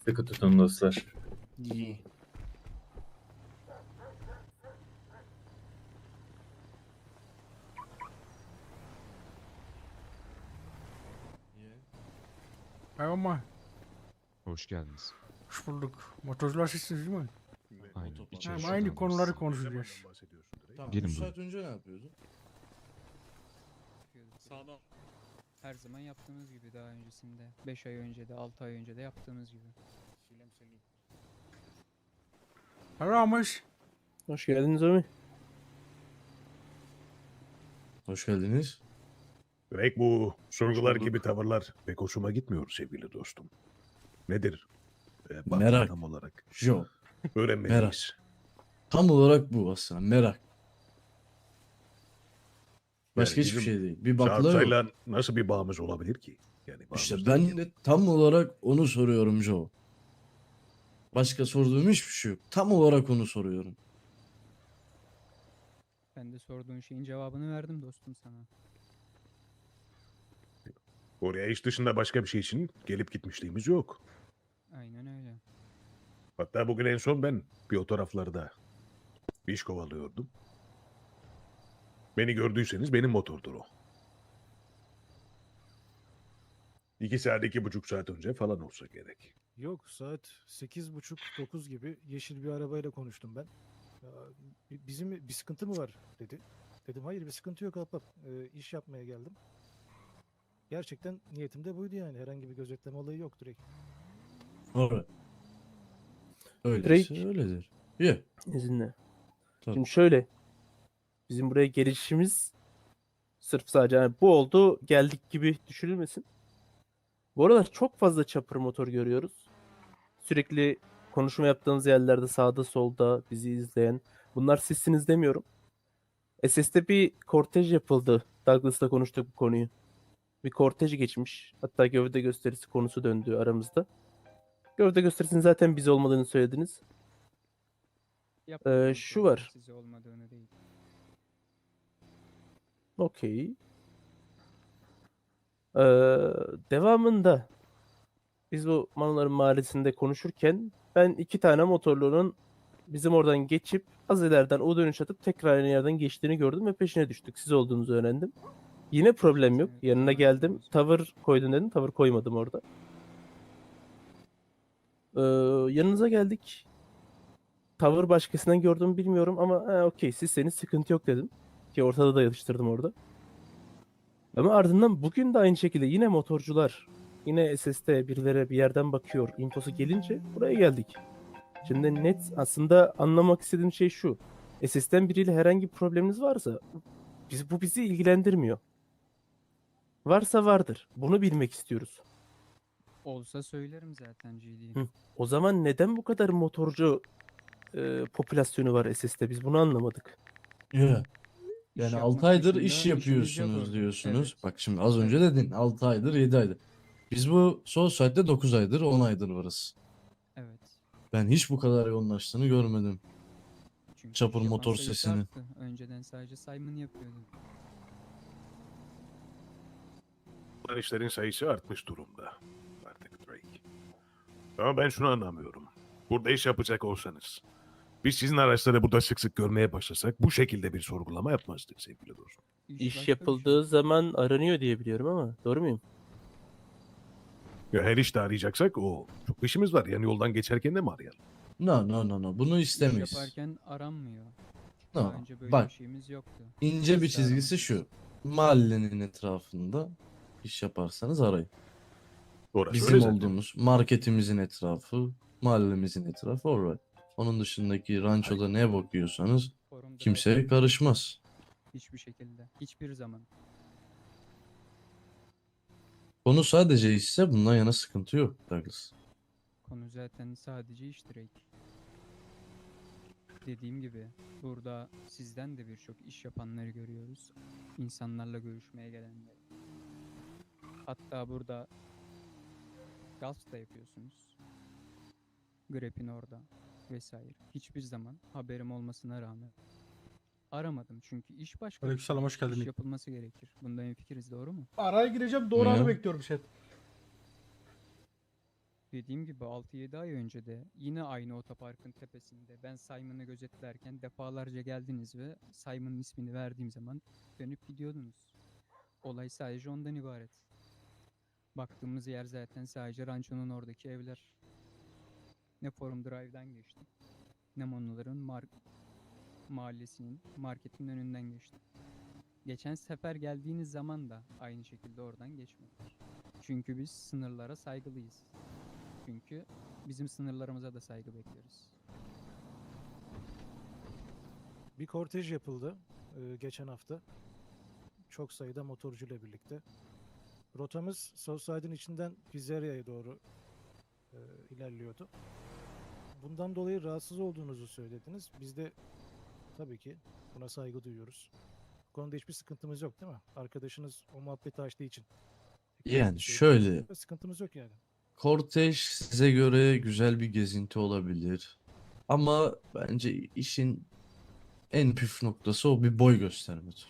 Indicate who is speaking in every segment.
Speaker 1: Sıkı tutun dostlar.
Speaker 2: İyi.
Speaker 3: Merhaba.
Speaker 4: Hoş geldiniz.
Speaker 3: Hoş bulduk. Motorcular sizsiniz değil mi?
Speaker 4: Aynen.
Speaker 2: Otopark.
Speaker 4: İçeri
Speaker 3: Hem
Speaker 4: şuradan
Speaker 3: aynı
Speaker 4: alırız.
Speaker 3: konuları konuşacağız.
Speaker 2: Tamam,
Speaker 4: Gelin
Speaker 2: 3
Speaker 4: buyurun.
Speaker 2: saat önce ne yapıyordun?
Speaker 5: Sağdan. Her zaman yaptığımız gibi daha öncesinde. 5 ay önce de 6 ay önce de yaptığımız gibi.
Speaker 3: Merhabamış.
Speaker 6: Hoş geldiniz Ömer.
Speaker 2: Hoş geldiniz.
Speaker 7: Demek bu sorgular
Speaker 2: bulduk.
Speaker 7: gibi tavırlar pek hoşuma gitmiyor sevgili dostum. Nedir? Baktın
Speaker 2: Merak.
Speaker 7: tam olarak.
Speaker 2: Jo.
Speaker 7: Öğrenmeliyiz.
Speaker 2: Tam olarak bu aslında. Merak. Başka
Speaker 7: Yani
Speaker 2: hiçbir
Speaker 7: bizim
Speaker 2: şey değil. Bir bakla yok.
Speaker 7: Sarpsayla nasıl bir bağımız olabilir ki? Yani
Speaker 2: İşte
Speaker 7: bağımız
Speaker 2: ben
Speaker 7: derken-
Speaker 2: de tam olarak onu soruyorum Jo. Başka sorduğum hiçbir şey yok. Tam olarak onu soruyorum.
Speaker 5: Ben de sorduğun şeyin cevabını verdim dostum sana.
Speaker 7: Oraya iş dışında başka bir şey için gelip gitmişliğimiz yok.
Speaker 5: Aynen öyle.
Speaker 7: Hatta bugün en son ben bir o taraflarda bir iş kovalıyordum. Beni gördüyseniz benim motordur o. 2 saat, 2,5 saat önce falan olsa gerek.
Speaker 8: Yok, saat 8.30-9 gibi yeşil bir arabayla konuştum ben. Ya, bizim bir sıkıntı mı var dedi. Dedim hayır, bir sıkıntı yok ahbap. İş yapmaya geldim. Gerçekten niyetim de buydu yani. Herhangi bir gözetleme olayı yok direkt.
Speaker 2: Orada. Öyleyse
Speaker 6: Drake.
Speaker 2: öyledir. Ye.
Speaker 6: İzinle.
Speaker 2: Tabii.
Speaker 6: Şimdi şöyle. Bizim buraya gelişimiz sırf sadece hani bu oldu geldik gibi düşünülmesin. Bu aralar çok fazla chopper motor görüyoruz. Sürekli konuşma yaptığımız yerlerde sağda solda bizi izleyen. Bunlar sizsiniz demiyorum. SS'de bir kortej yapıldı. Douglas'la konuştuk bu konuyu. Bir kortej geçmiş. Hatta gövde gösterisi konusu döndü aramızda. Gövde gösterisinin zaten biz olmadığını söylediniz.
Speaker 5: Yapmadığımız
Speaker 6: şu
Speaker 5: şeylerin
Speaker 6: var.
Speaker 5: Size olmadığını değil.
Speaker 6: Okey. Ee, devamında biz bu Manoların Mahallesi'nde konuşurken ben 2 tane motorlunun bizim oradan geçip az ileriden o dönüş atıp tekrar aynı yerden geçtiğini gördüm ve peşine düştük. Siz olduğunuzu öğrendim. Yine problem yok.
Speaker 5: Evet,
Speaker 6: Yanına
Speaker 5: evet,
Speaker 6: geldim.
Speaker 5: evet.
Speaker 6: Tavır koydun dedim. Tavır koymadım orada. Ee, yanınıza geldik. Tavır başkasından gördüğümü bilmiyorum ama okey sizseniz sıkıntı yok dedim. Ki ortada da yatıştırdım orada. Ama ardından bugün de aynı şekilde yine motorcular, yine SS'te birileri bir yerden bakıyor. Infosu gelince buraya geldik. Şimdi net aslında anlamak istediğim şey şu. SS'ten biriyle herhangi bir probleminiz varsa bu bizi ilgilendirmiyor. Varsa vardır. Bunu bilmek istiyoruz.
Speaker 5: Olsa söylerim zaten GD.
Speaker 6: Hı. O zaman neden bu kadar motorcu popülasyonu var SS'te? Biz bunu anlamadık.
Speaker 2: Ye.
Speaker 5: İş
Speaker 2: Yani
Speaker 5: yapmak
Speaker 2: 6 aydır
Speaker 5: dışında
Speaker 2: iş
Speaker 5: işimiz yok
Speaker 2: yapıyorsunuz
Speaker 5: orada.
Speaker 2: diyorsunuz.
Speaker 5: Evet.
Speaker 2: Bak şimdi az önce dedin 6 aydır 7 aydır. Biz bu sol saatte 9 aydır 10 aydır varız.
Speaker 5: Evet.
Speaker 2: Ben hiç bu kadar yoğunlaştığını görmedim.
Speaker 5: Çünkü
Speaker 2: Çapır
Speaker 5: iş yapan
Speaker 2: motor
Speaker 5: sayısı
Speaker 2: sesini.
Speaker 5: arttı. Önceden sadece Simon yapıyordu.
Speaker 7: Bunlar işlerin sayısı artmış durumda. Artık Drake. Ama ben şunu anlamıyorum. Burada iş yapacak olsanız, biz sizin araçları burada sık sık görmeye başlasak bu şekilde bir sorgulama yapmazdık sevgili dostum.
Speaker 6: İş
Speaker 5: başka bir şey.
Speaker 6: yapıldığı zaman aranıyor diye biliyorum ama doğru muyum?
Speaker 7: Ya her işte arayacaksak o çok işimiz var. Yani yoldan geçerken de mi arayalım?
Speaker 2: No. Bunu
Speaker 5: İş
Speaker 2: istemeyiz.
Speaker 5: yaparken aranmıyor. Daha
Speaker 2: No.
Speaker 5: önce böyle
Speaker 2: Bak
Speaker 5: bir şeyimiz yoktu.
Speaker 2: ince bir
Speaker 5: Biz de
Speaker 2: çizgisi
Speaker 5: aramadık.
Speaker 2: şu. Mahallenin etrafında iş yaparsanız arayın.
Speaker 7: Orası
Speaker 2: Bizim
Speaker 7: öyle zaten.
Speaker 2: olduğumuz marketimizin etrafı, mahallemizin etrafı alright. Onun dışındaki rançoda ne bakıyorsanız
Speaker 5: Forumda da
Speaker 2: kimseye karışmaz.
Speaker 5: hiçbir şekilde. Hiçbir zaman.
Speaker 2: Konu sadece işse bundan yana sıkıntı yok Douglas.
Speaker 5: Konu zaten sadece iş direkt. Dediğim gibi burada sizden de birçok iş yapanları görüyoruz. İnsanlarla görüşmeye gelenleri. Hatta burada Gulf da yapıyorsunuz. Grep'in orada vesaire. Hiçbir zaman haberim olmasına rağmen aramadım. Çünkü iş başka bir
Speaker 3: Aleykümselam,
Speaker 5: şey.
Speaker 3: hoş geldin.
Speaker 5: İş yapılması gerekir. Bunda hemfikiriz, doğru mu?
Speaker 3: Araya gireceğim. Doğru
Speaker 2: Ne?
Speaker 3: anı bekliyorum chat.
Speaker 5: Dediğim gibi 6-7 ay önce de yine aynı otoparkın tepesinde ben Simon'ı gözetlerken defalarca geldiniz ve Simon'ın ismini verdiğim zaman dönüp gidiyordunuz. Olay sadece ondan ibaret. Baktığımız yer zaten sadece rançonun oradaki evler. Ne Forum Drive'dan geçtim, ne Monoların mahallesinin, marketin önünden geçtim. Geçen sefer geldiğiniz zaman da aynı şekilde oradan geçmedik. Çünkü biz sınırlara saygılıyız. Çünkü bizim sınırlarımıza da saygı bekliyoruz.
Speaker 8: Bir kortej yapıldı geçen hafta. Çok sayıda motorcuyla birlikte. Rotamız Southside'ın içinden Pizzeria'ya doğru ilerliyordu. Bundan dolayı rahatsız olduğunuzu söylediniz. Biz de tabii ki buna saygı duyuyoruz. Bu konuda hiçbir sıkıntımız yok değil mi? Arkadaşınız o muhabbeti açtığı için.
Speaker 2: Yani şöyle,
Speaker 8: Sıkıntımız yok yani.
Speaker 2: kortej size göre güzel bir gezinti olabilir. Ama bence işin en püf noktası o bir boy göstermedir.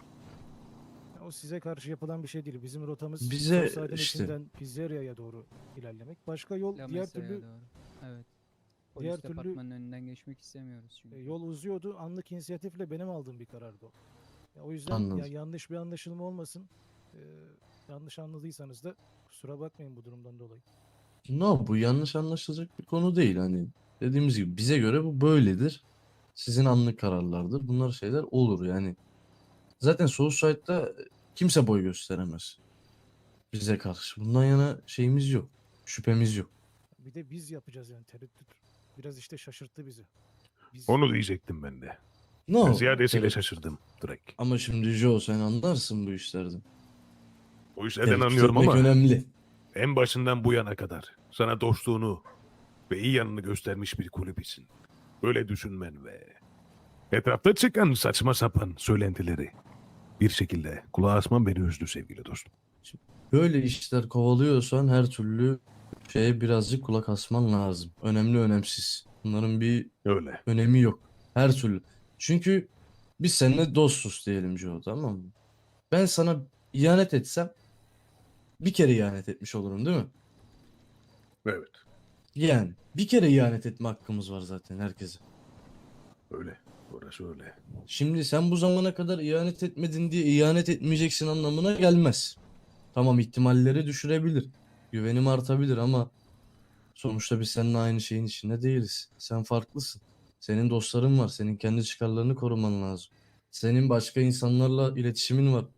Speaker 8: O size karşı yapılan bir şey değil. Bizim rotamız
Speaker 2: Bize
Speaker 8: Southside'ın
Speaker 2: işte-
Speaker 8: içinden Pizzeria'ya doğru ilerlemek. Başka yol
Speaker 5: La
Speaker 8: diğer
Speaker 5: Mesa'ya
Speaker 8: türlü
Speaker 5: doğru. Evet.
Speaker 8: diğer
Speaker 5: Polis
Speaker 8: türlü-
Speaker 5: departmanının önünden geçmek istemiyoruz çünkü.
Speaker 8: yol uzuyordu. Anlık inisiyatifle benim aldığım bir karardı o. Ya, o yüzden
Speaker 2: Anladım.
Speaker 8: ya yanlış bir anlaşılma olmasın. Yanlış anladıysanız da kusura bakmayın bu durumdan dolayı.
Speaker 2: No, bu yanlış anlaşılacak bir konu değil. Hani dediğimiz gibi bize göre bu böyledir. Sizin anlık kararlardır. Bunlar şeyler olur yani. Zaten Southside'da kimse boy gösteremez. Bize karşı. Bundan yana şeyimiz yok. Şüphemiz yok.
Speaker 8: Bir de biz yapacağız yani tereddüt. Biraz işte şaşırttı bizi. Biz
Speaker 7: Onu diyecektim ben de.
Speaker 2: No.
Speaker 7: Ben ziyadesiyle
Speaker 2: evet.
Speaker 7: şaşırdım Drake.
Speaker 2: Ama şimdi Joe sen anlarsın bu işlerden.
Speaker 7: Bu işlerden
Speaker 2: Tebrik
Speaker 7: anlıyorum
Speaker 2: etmek
Speaker 7: ama
Speaker 2: önemli.
Speaker 7: en başından bu yana kadar sana dostluğunu ve iyi yanını göstermiş bir kulübisin. Böyle düşünmen ve etrafta çıkan saçma sapan söylentileri bir şekilde kulağa asman beni üzdü sevgili dostum.
Speaker 2: Böyle işler kovalıyorsan her türlü şeye birazcık kulak asman lazım. Önemli önemsiz. Bunların bir
Speaker 7: Öyle.
Speaker 2: önemi yok. Her türlü. Çünkü biz seninle dostuz diyelim Joe, tamam mı? Ben sana ihanet etsem bir kere ihanet etmiş olurum değil mi?
Speaker 7: Evet.
Speaker 2: Yani bir kere ihanet etme hakkımız var zaten herkese.
Speaker 7: Öyle. Orası öyle.
Speaker 2: Şimdi sen bu zamana kadar ihanet etmedin diye ihanet etmeyeceksin anlamına gelmez. Tamam, ihtimalleri düşürebilir. Güvenim artabilir ama sonuçta biz seninle aynı şeyin içinde değiliz. Sen farklısın. Senin dostların var. Senin kendi çıkarlarını koruman lazım. Senin başka insanlarla iletişimin var.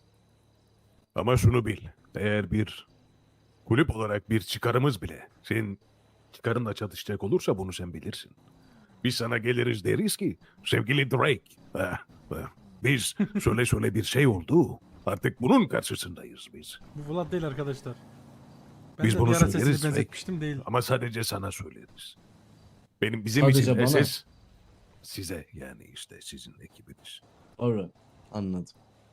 Speaker 7: Ama şunu bil. Eğer bir kulüp olarak bir çıkarımız bile senin çıkarınla çatışacak olursa bunu sen bilirsin. Biz sana geliriz deriz ki sevgili Drake. Biz söyle bir şey oldu. Artık bunun karşısındayız biz.
Speaker 3: Bu Vlad değil arkadaşlar. Ben
Speaker 7: Biz
Speaker 3: de
Speaker 7: bunu
Speaker 3: bir ara sesini
Speaker 7: söyleriz,
Speaker 3: benzetmiştim değil.
Speaker 7: Ama sadece sana söyleriz. Bizim
Speaker 2: Sadece
Speaker 7: için
Speaker 2: bana.
Speaker 7: esas size yani işte sizin ekibiniz.
Speaker 2: Alright. Anladım.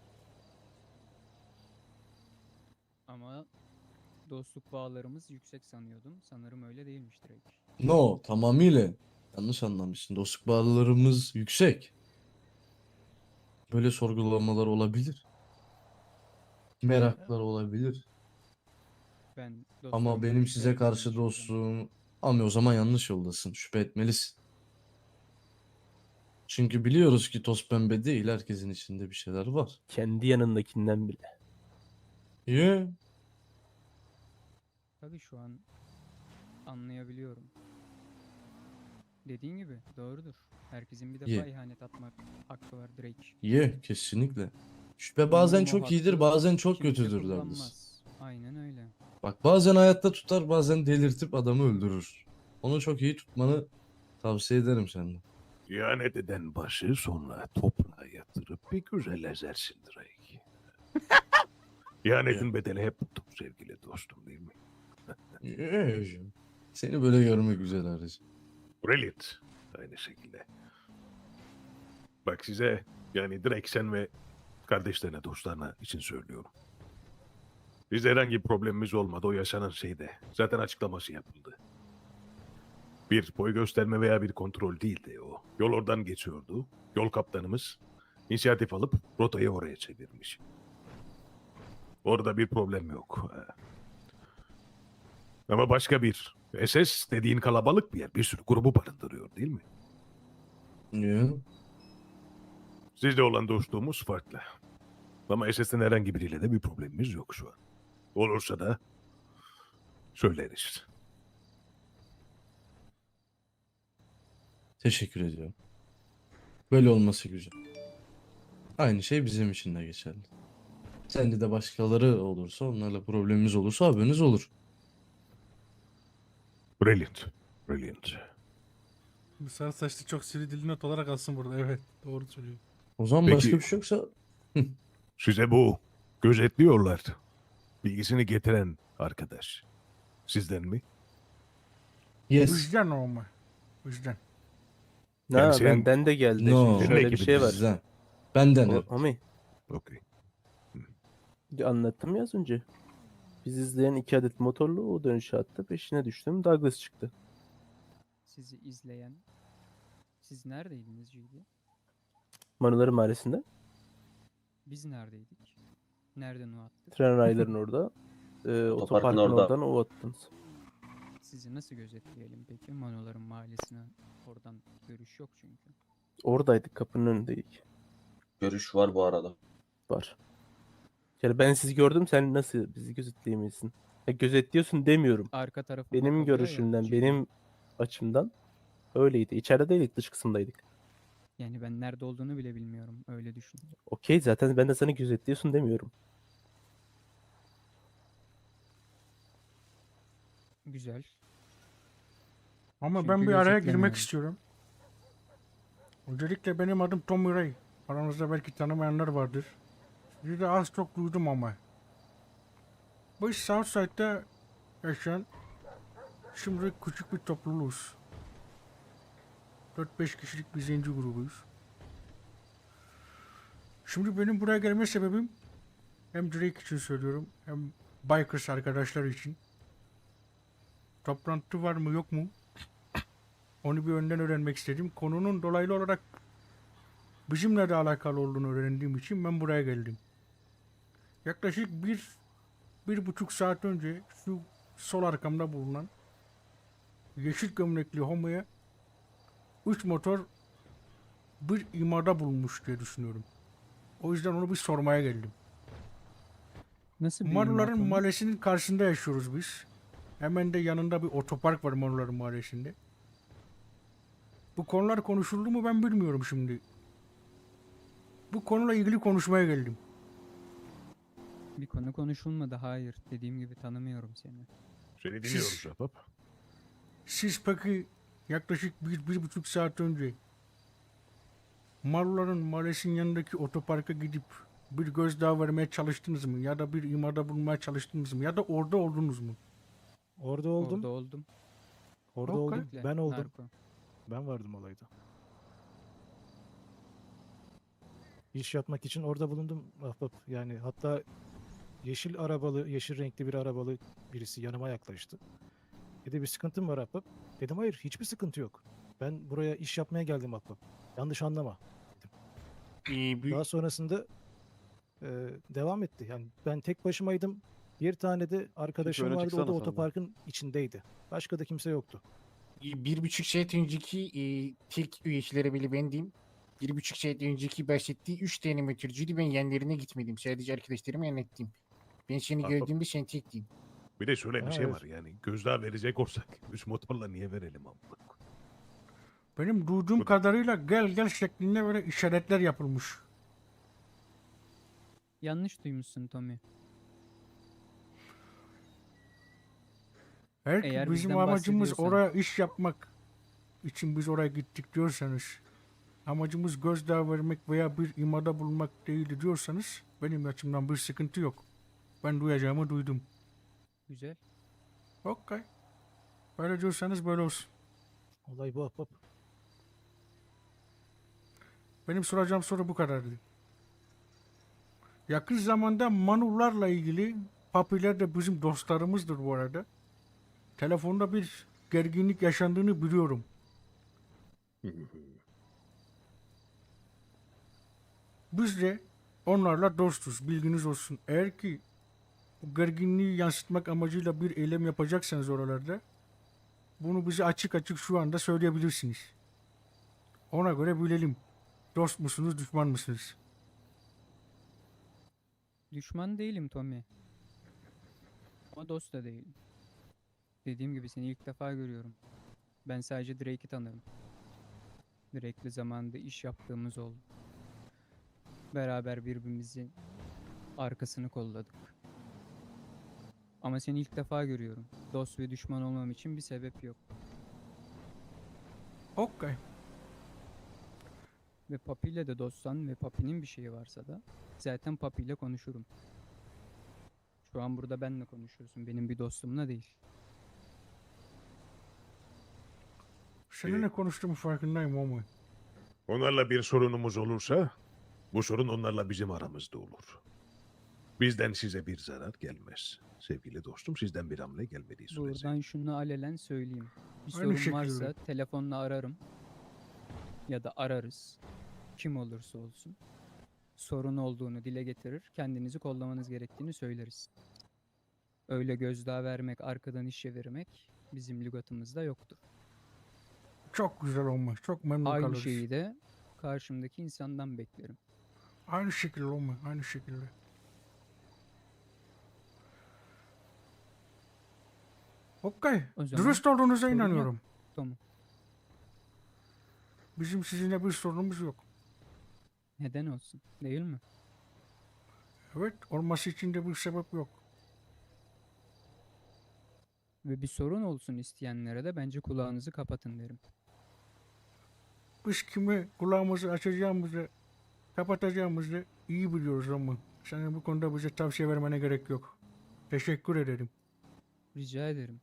Speaker 5: Ama dostluk bağlarımız yüksek sanıyordum. Sanırım öyle değilmiş direkt.
Speaker 2: No, tamamıyla yanlış anlamışsın. Dostluk bağlarımız yüksek. Böyle sorgulamalar olabilir. Meraklar olabilir.
Speaker 5: Ben
Speaker 2: Ama
Speaker 5: dostlarımla
Speaker 2: benim
Speaker 5: birlikte
Speaker 2: size
Speaker 5: yaptığımı
Speaker 2: karşı
Speaker 5: düşünüyorum.
Speaker 2: dostluğum... Ama o zaman yanlış yoldasın. Şüphe etmelisin. Çünkü biliyoruz ki toz pembe değil. Herkesin içinde bir şeyler var.
Speaker 6: Kendi yanındakinden bile.
Speaker 2: Yeah.
Speaker 5: Tabii şu an anlayabiliyorum. Dediğin gibi doğrudur. Herkesin bir defa
Speaker 2: Ye.
Speaker 5: ihanet atmak hakkı var Drake.
Speaker 2: Yeah, kesinlikle. Şüphe bazen
Speaker 5: Umarım o
Speaker 2: çok iyidir,
Speaker 5: hakkı
Speaker 2: bazen çok
Speaker 5: kimse
Speaker 2: kötüdür derler.
Speaker 5: kullanmaz. Aynen öyle.
Speaker 2: Bak bazen hayatta tutar, bazen delirtip adamı öldürür. Onu çok iyi tutmanı tavsiye ederim senden.
Speaker 7: İhanet eden başı sonra toprağa yatırıp bir güzel ezersin Drake. İhanetin bedeli hep budur sevgili dostum değil mi?
Speaker 2: Yeah, hocam. Seni böyle görmek güzel Arıcı.
Speaker 7: Brilliant. Aynı şekilde. Bak size yani direkt sen ve kardeşlerine, dostlarına için söylüyorum. Bizde herhangi bir problemimiz olmadı. O yaşanan şeyde. Zaten açıklaması yapıldı. Bir boy gösterme veya bir kontrol değildi o. Yol oradan geçiyordu. Yol kaptanımız inisiyatif alıp rotayı oraya çevirmiş. Orada bir problem yok. Ama başka bir SS dediğin kalabalık bir yer. Bir sürü grubu barındırıyor değil mi?
Speaker 2: Yo.
Speaker 7: Sizle olan dostluğumuz farklı. Ama SS'in herhangi biriyle de bir problemimiz yok şu an. Olursa da söyleriz.
Speaker 2: Teşekkür ediyorum. Böyle olması güzel. Aynı şey bizim için de geçerli. Sende de başkaları olursa, onlarla problemimiz olursa haberiniz olur.
Speaker 7: Brilliant. Brilliant.
Speaker 3: Bu sarı saçlı çok sivri dilli not olarak alsın burada. Evet. Doğru söylüyor.
Speaker 2: O zaman
Speaker 7: Peki-
Speaker 2: başka bir şey yoksa
Speaker 7: Size bu gözetliyorlar bilgisini getiren arkadaş. Sizden mi?
Speaker 2: yes.
Speaker 3: Vicdan o mu? Vicdan.
Speaker 7: Yani
Speaker 6: Ha,
Speaker 7: senin-
Speaker 6: benden de geldi.
Speaker 2: No.
Speaker 6: Şimdi şöyle bir
Speaker 7: Ekibin
Speaker 6: şey var.
Speaker 2: Bizden. Benden evet.
Speaker 6: Homi,
Speaker 7: Okey.
Speaker 6: anlattım ya az önce. Biz izleyen 2 adet motorlu o dönüşe attı. Peşine düştüm. Douglas çıktı.
Speaker 5: Sizi izleyen. Siz neredeydiniz GD?
Speaker 6: Manuları Mahallesi'nde.
Speaker 5: Biz neredeydik? Nereden o attık?
Speaker 6: Tren rayların orada. Otoparkın oradan o attınız.
Speaker 5: Sizi nasıl gözetleyelim peki? Manoların mahallesine oradan görüş yok çünkü.
Speaker 6: Oradaydık, kapının önündeydik.
Speaker 1: Görüş var bu arada.
Speaker 6: Var. Yani ben sizi gördüm, sen nasıl bizi gözetleyemezsin? Ya gözetliyorsun demiyorum.
Speaker 5: Arka tarafı
Speaker 6: Benim
Speaker 5: bakılıyor ya,
Speaker 6: görüşümden,
Speaker 5: GD.
Speaker 6: benim açımdan öyleydi. İçeride değildik, dış kısımdaydık.
Speaker 5: Yani ben nerede olduğunu bile bilmiyorum. Öyle düşün.
Speaker 6: Okey, zaten ben de sana gözetliyorsun demiyorum.
Speaker 5: Güzel.
Speaker 3: Ama
Speaker 5: Çünkü
Speaker 3: ben bir araya girmek
Speaker 5: gözetlemiyorum.
Speaker 3: istiyorum. Öncelikle benim adım Tommy Ray. Aranızda belki tanımayanlar vardır. Sizi de az çok duydum ama. Biz Southside'da yaşayan şimdi küçük bir topluluğuz. 4-5 kişilik bir zenci grubuyuz. Şimdi benim buraya gelme sebebim hem Drake için söylüyorum hem Bikers arkadaşlar için. Toplantı var mı yok mu? Onu bir önden öğrenmek istedim. Konunun dolaylı olarak bizimle de alakalı olduğunu öğrendiğim için ben buraya geldim. Yaklaşık bir buçuk saat önce şu sol arkamda bulunan yeşil gömlekli homoya 3 motor bir imada bulunmuş diye düşünüyorum. O yüzden onu bir sormaya geldim.
Speaker 5: Nasıl bir
Speaker 3: Maruların
Speaker 5: imat o?
Speaker 3: Mahallesi'nin karşısında yaşıyoruz biz. Hemen de yanında bir otopark var Maruların Mahallesi'nde. Bu konular konuşuldu mu ben bilmiyorum şimdi. Bu konuyla ilgili konuşmaya geldim.
Speaker 5: Bir konu konuşulmadı. Hayır. Dediğim gibi tanımıyorum seni.
Speaker 7: Seni dinliyoruz Ahbap.
Speaker 3: Siz peki yaklaşık bir buçuk saat önce Maruların Mahallesi'nin yanındaki otoparka gidip bir gözdağı vermeye çalıştınız mı? Ya da bir imada bulunmaya çalıştınız mı? Ya da orada oldunuz mu?
Speaker 8: Orada oldum.
Speaker 5: Orada oldum.
Speaker 8: Orada
Speaker 3: Okey.
Speaker 8: oldum. Ben oldum.
Speaker 5: Narko.
Speaker 8: Ben vardım olayda. İş yapmak için orada bulundum ahbap. Yani hatta yeşil arabalı, yeşil renkli bir arabalı birisi yanıma yaklaştı. Dedi bir sıkıntın var ahbap. Dedim hayır, hiçbir sıkıntı yok. Ben buraya iş yapmaya geldim ahbap. Yanlış anlama. Daha sonrasında devam etti. Yani ben tek başımaydım. Bir tane de arkadaşım
Speaker 9: öne
Speaker 8: vardı. O
Speaker 9: çıksana
Speaker 8: da
Speaker 9: sen de.
Speaker 8: otoparkın içindeydi. Başka da kimse yoktu.
Speaker 10: 1,5 saat önceki tek üyeleri bile bendim. 1,5 saat önceki bahsettiği 3 tane motorcuydu. Ben yanlarına gitmedim. Sadece arkadaşlarıma anlattım. Ben seni
Speaker 7: Ahbap.
Speaker 10: gördüğümde sen tektin.
Speaker 7: Bir de şöyle bir
Speaker 8: Ha,
Speaker 7: şey
Speaker 8: evet.
Speaker 7: var yani gözdağı verecek olsak 3 motorla niye verelim amına?
Speaker 3: Benim duyduğum
Speaker 7: Bu da-
Speaker 3: kadarıyla gel gel şeklinde böyle işaretler yapılmış.
Speaker 5: Yanlış duymuşsun Tommy.
Speaker 3: Eğer ki
Speaker 5: Eğer
Speaker 3: bizim
Speaker 5: bizden
Speaker 3: amacımız
Speaker 5: bahsediyorsan-
Speaker 3: oraya iş yapmak için biz oraya gittik diyorsanız, amacımız gözdağı vermek veya bir imada bulunmak değil diyorsanız benim açımdan bir sıkıntı yok. Ben duyacağımı duydum.
Speaker 5: Güzel.
Speaker 3: Okey. Böyle diyorsanız böyle olsun.
Speaker 8: Olay bu ahbap.
Speaker 3: Benim soracağım soru bu kadardı. Yakın zamanda Manularla ilgili, Papiler de bizim dostlarımızdır bu arada. Telefonda bir gerginlik yaşandığını biliyorum. Biz de onlarla dostuz, bilginiz olsun. Eğer ki bu gerginliği yansıtmak amacıyla bir eylem yapacaksanız oralarda bunu bize açık açık şu anda söyleyebilirsiniz. Ona göre bilelim. Dost musunuz, düşman mısınız?
Speaker 5: Düşman değilim Tommy. Ama dost da değilim. Dediğim gibi seni ilk defa görüyorum. Ben sadece Drake'i tanırım. Drake'le zamanında iş yaptığımız oldu. Beraber birbirimizin arkasını kolladık. Ama seni ilk defa görüyorum. Dost ve düşman olmam için bir sebep yok.
Speaker 3: Okay.
Speaker 5: Ve Papi ile de dostsan ve Papi'nin bir şeyi varsa da zaten Papi ile konuşurum. Şu an burada benle konuşuyorsun. Benim bir dostumla değil.
Speaker 3: Seninle konuştuğumun farkındayım ama.
Speaker 7: Onlarla bir sorunumuz olursa bu sorun onlarla bizim aramızda olur. Bizden size bir zarar gelmez. Sevgili dostum, sizden bir hamle gelmediği sürece.
Speaker 5: Buradan şunu alelen söyleyeyim. Bir
Speaker 3: Aynı
Speaker 5: sorun
Speaker 3: şekilde.
Speaker 5: varsa telefonla ararım. Ya da ararız. Kim olursa olsun. Sorun olduğunu dile getirir. Kendinizi kollamanız gerektiğini söyleriz. Öyle gözdağı vermek, arkadan iş çevirmek bizim lügatımızda yoktur.
Speaker 3: Çok güzel olmuş. Çok memnun
Speaker 5: Aynı
Speaker 3: kalırız.
Speaker 5: şeyi de karşımdaki insandan beklerim.
Speaker 3: Aynı şekilde olmuş. Aynı şekilde. Okay.
Speaker 5: O zaman
Speaker 3: Dürüst olduğunuza
Speaker 5: sorun yok.
Speaker 3: inanıyorum.
Speaker 5: Tamam.
Speaker 3: Bizim sizinle bir sorunumuz yok.
Speaker 5: Neden olsun? Değil mi?
Speaker 3: Evet, olması için de bir sebep yok.
Speaker 5: Ve bir sorun olsun isteyenlere de bence kulağınızı kapatın derim.
Speaker 3: Biz kimi kulağımızı açacağımızı, kapatacağımızı iyi biliyoruz ama senin bu konuda bize tavsiye vermene gerek yok. Teşekkür ederim.
Speaker 5: Rica ederim.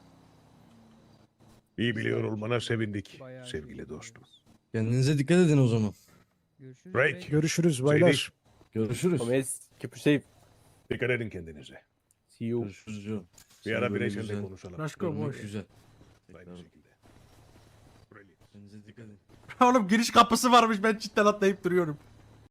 Speaker 7: İyi biliyor olmana sevindik
Speaker 5: Bayağı iyi
Speaker 7: sevgili dostum.
Speaker 5: biliyoruz.
Speaker 2: Kendinize dikkat edin o zaman.
Speaker 5: Görüşürüz.
Speaker 7: Drake.
Speaker 5: Drake.
Speaker 8: Görüşürüz baylar.
Speaker 7: Seydi,
Speaker 2: Görüşürüz.
Speaker 6: Gomez, keep it safe.
Speaker 7: dikkat edin kendinize.
Speaker 6: See you.
Speaker 2: Görüşürüz Joe.
Speaker 7: Bir
Speaker 2: Seni
Speaker 7: ara
Speaker 2: böyle
Speaker 7: bireyselle
Speaker 2: güzel
Speaker 7: konuşalım.
Speaker 3: Let's go
Speaker 2: görmek
Speaker 3: boys.
Speaker 2: güzel.
Speaker 7: Aynı
Speaker 2: Tekrar
Speaker 7: şekilde. Brilliant.
Speaker 2: kendinize dikkat edin.
Speaker 3: Oğlum giriş kapısı varmış, ben cidden atlayıp duruyorum.